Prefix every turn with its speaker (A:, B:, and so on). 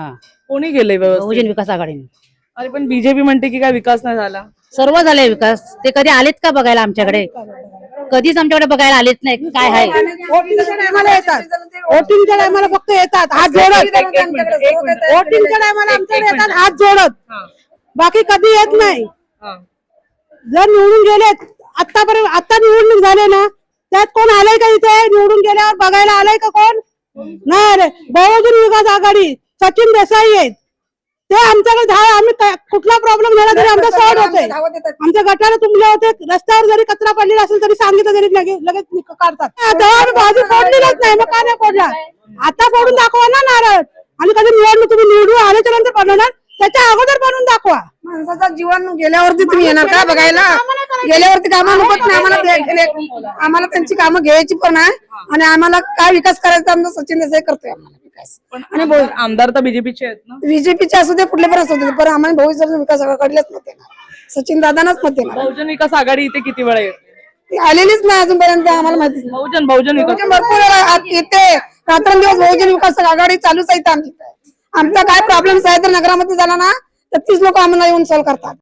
A: कोणी केले व्यवस्थित?
B: बहुजन विकास आघाडीने
A: अरे पण बीजेपी म्हणते की काय विकास नाही झाला.
B: सर्व झालंय विकास. ते कधी आलेत का बघायला आमच्याकडे? कधीच आमच्याकडे बघायला आलेच नाही. काय आहे
C: वोटिंगच्या टायमाला येतात, वोटिंगच्या टायमाला फक्त येतात हात जोडत. वोटिंगच्या टायमाला आमच्याकडे येतात हात जोडत, बाकी कधी येत नाही. जर निवडून गेले आतापर्यंत, आता निवडणूक झाले ना, त्यात कोण आलंय का इथे? निवडून गेल्यावर बघायला आलंय का कोण? नाही रे. बहुजन विकास आघाडी सचिन देसाई आहेत ते आमच्याकडे आम्ही कुठला प्रॉब्लेम झाला तरी आमचा सॉल्व होते. आमच्या गटाला तुंबले होते, रस्त्यावर जरी कचरा पडलेला असेल तरी सांगितलं तरी लगेच काढतात. आम्ही बाजू फोडलेलाच नाही, मग का नाही फोडला? आता फोडून दाखवा ना नारळ. आणि कधी निवडणूक तुम्ही निवडून आल्याच्या नंतर बनवणार, त्याच्या अगोदर बनवून दाखवा. माणसाचं जीवन गेल्यावरती तुम्ही येणार का बघायला? गेल्यावरती कामं नकोत ना आम्हाला. आम्हाला त्यांची कामं घ्यायची पण आहे आणि आम्हाला काय विकास करायचा आमचा सचिन देसाई करतोय आम्हाला विकास.
A: आणि आमदार तर बीजेपीचे आहेत ना?
C: बीजेपीचे असू दे कुठले पण असू दे, पण आम्हाला बहुजन विकास आघाडीलाच मत देणार, सचिन दादांनाच मत देणार.
A: बहुजन विकास आघाडी इथे किती वेळा येते?
C: ती आलेलीच नाही अजूनपर्यंत, आम्हाला माहिती.
A: बहुजन विकास
C: भरपूर येते, रात्रंदिवस बहुजन विकास आघाडी चालूच आहे आमची. आमचा काय प्रॉब्लेम आहे तर नगरामध्ये झाला ना तर तीच लोक आम्हाला येऊन सॉल्व्ह करतात.